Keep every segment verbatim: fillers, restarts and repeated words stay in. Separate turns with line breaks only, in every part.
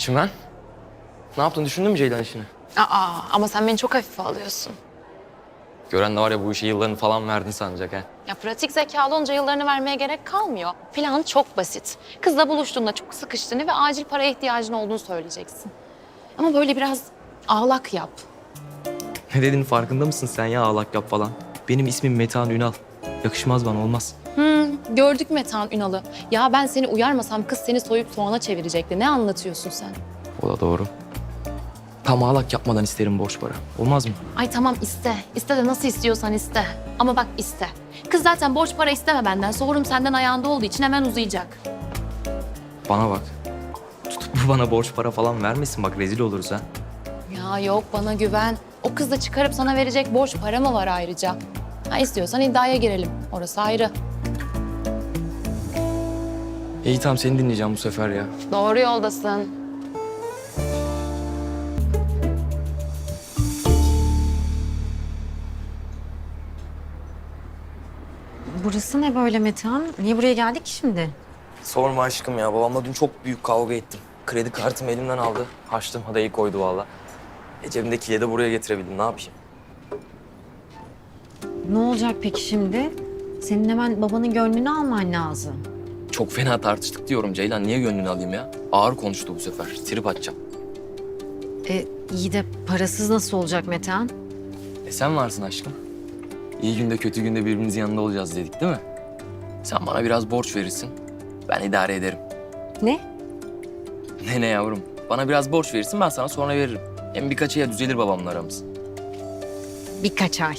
Çimen, ne yaptın? Düşündün mü Ceylan işini?
Aa, ama sen beni çok hafife alıyorsun.
Gören de var ya bu işe yıllarını falan verdin sanacak ha.
Ya pratik zekalı olunca yıllarını vermeye gerek kalmıyor. Plan çok basit. Kızla buluştuğunda çok sıkıştığını ve acil paraya ihtiyacın olduğunu söyleyeceksin. Ama böyle biraz ağlak yap.
Ne dediğinin farkında mısın sen ya ağlak yap falan? Benim ismim Metehan Ünal. Yakışmaz bana, olmaz.
Hmm, gördük Metehan Ünal'ı. Ya ben seni uyarmasam kız seni soyup soğana çevirecekti. Ne anlatıyorsun sen?
O da doğru. Tam ağlak yapmadan isterim borç para. Olmaz mı?
Ay tamam iste. İste de nasıl istiyorsan iste. Ama bak iste. Kız zaten borç para isteme benden. Sorum senden ayağında olduğu için hemen uzayacak.
Bana bak. Tutup bu bana borç para falan vermesin, bak rezil oluruz ha.
Ya yok bana güven. O kız da çıkarıp sana verecek borç para mı var ayrıca? Ha istiyorsan iddiaya girelim. Orası ayrı.
İyi tamam, seni dinleyeceğim bu sefer ya.
Doğru yoldasın.
Burası ne böyle Metehan? Niye buraya geldik ki şimdi?
Sorma aşkım ya, babamla dün çok büyük kavga ettim. Kredi kartımı elimden aldı. Açtım, hadayı koydu valla. E cebimdekiyle de buraya getirebildim, ne yapayım?
Ne olacak peki şimdi? Senin hemen babanın gönlünü alman lazım.
Çok fena tartıştık diyorum Ceylan, niye gönlünü alayım ya? Ağır konuştu bu sefer, trip atacağım.
E iyi de parasız nasıl olacak Metehan?
E sen varsın aşkım. İyi günde kötü günde birbirimizin yanında olacağız dedik değil mi? Sen bana biraz borç verirsin. Ben idare ederim.
Ne?
Ne ne yavrum? Bana biraz borç verirsin, ben sana sonra veririm. Hem birkaç aya düzelir babamla aramız.
Birkaç ay.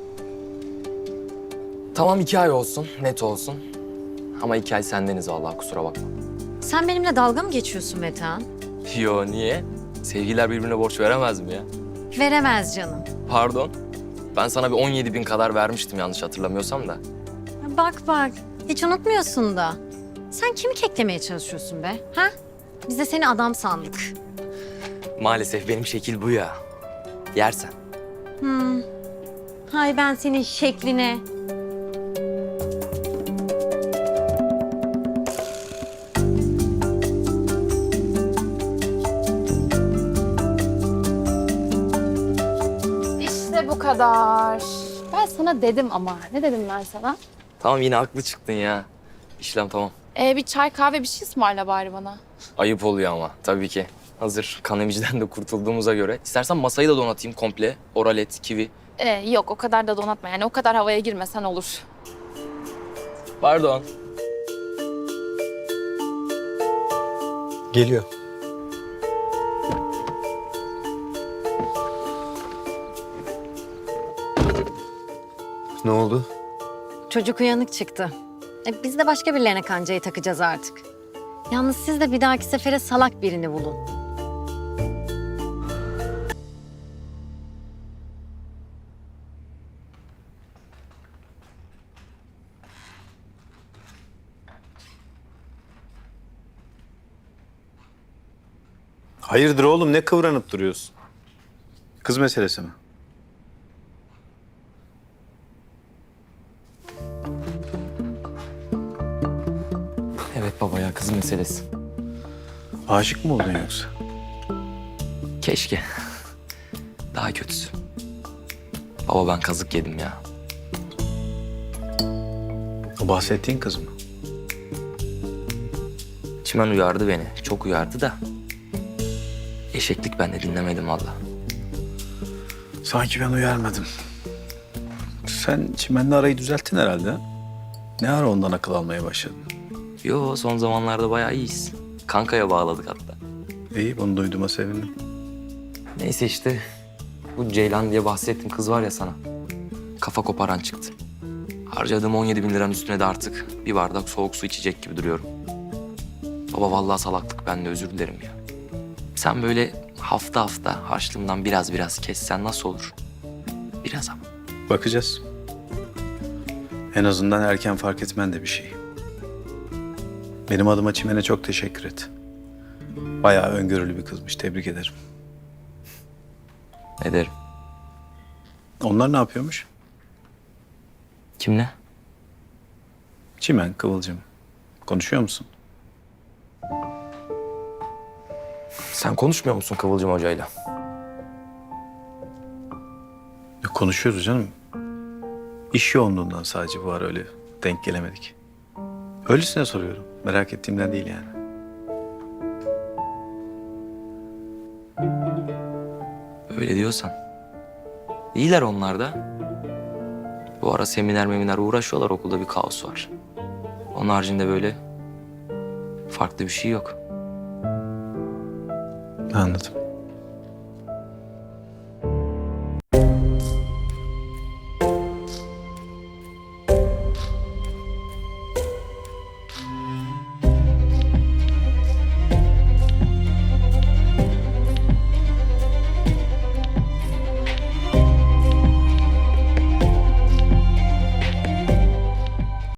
Tamam iki ay olsun, net olsun. Ama iki ay sendeniz vallahi, kusura bakma.
Sen benimle dalga mı geçiyorsun Metehan?
Yo niye? Sevgililer birbirine borç veremez mi ya?
Veremez canım.
Pardon. Ben sana bir on yedi bin kadar vermiştim yanlış hatırlamıyorsam da.
Bak bak, hiç unutmuyorsun da. Sen kimi keklemeye çalışıyorsun be? Ha? Biz de seni adam sandık.
Maalesef benim şekil bu ya. Yersen.
Hmm. Hay ben senin şekline.
İşte bu kadar. Ben sana dedim ama. Ne dedim ben sana?
Tamam yine haklı çıktın ya. İşlem tamam.
Ee, bir çay kahve bir şey ısmarla bari bana.
Ayıp oluyor ama tabii ki. Hazır kanemiciden de kurtulduğumuza göre. İstersen masayı da donatayım komple. Oralet, kivi.
Ee, yok o kadar da donatma yani o kadar havaya girmesen olur.
Pardon.
Geliyor. Ne oldu?
Çocuk uyanık çıktı. E, biz de başka birilerine kancayı takacağız artık. Yalnız siz de bir dahaki sefere salak birini bulun.
Hayırdır oğlum, ne kıvranıp duruyorsun? Kız meselesi mi?
Evet baba ya, kız meselesi.
Aşık mı oldun yoksa?
Keşke. Daha kötüsü. Baba ben kazık yedim ya.
O bahsettiğin kız mı?
Çimen uyardı beni. Çok uyardı da. Eşeklik, ben de dinlemedim valla.
Sanki ben uyarmadım. Sen Çimen'le arayı düzelttin herhalde. Ha? Ne ara ondan akıl almaya başladın?
Yo, son zamanlarda bayağı iyiyiz. Kankaya bağladık hatta.
İyi, bunu duyduğuma sevindim.
Neyse işte. Bu Ceylan diye bahsettiğim kız var ya sana. Kafa koparan çıktı. Harcadığım on yedi bin liranın üstüne de artık bir bardak soğuk su içecek gibi duruyorum. Baba vallahi salaklık, ben de özür dilerim ya. Sen böyle hafta hafta harçlığımdan biraz biraz kessen nasıl olur? Biraz ama.
Bakacağız. En azından erken fark etmen de bir şey. Benim adıma Çimen'e çok teşekkür et. Bayağı öngörülü bir kızmış, tebrik ederim.
Ederim.
Onlar ne yapıyormuş?
Kimle?
Çimen, Kıvılcım. Konuşuyor musun?
Sen konuşmuyor musun Kıvılcım Hoca'yla?
Yok, konuşuyoruz canım. İş yoğunluğundan sadece bu ara öyle denk gelemedik. Öylesine soruyorum. Merak ettiğimden değil yani.
Öyle diyorsan. İyiler onlar da. Bu ara seminer meminer uğraşıyorlar, okulda bir kaos var. Onun haricinde böyle farklı bir şey yok.
Anladım.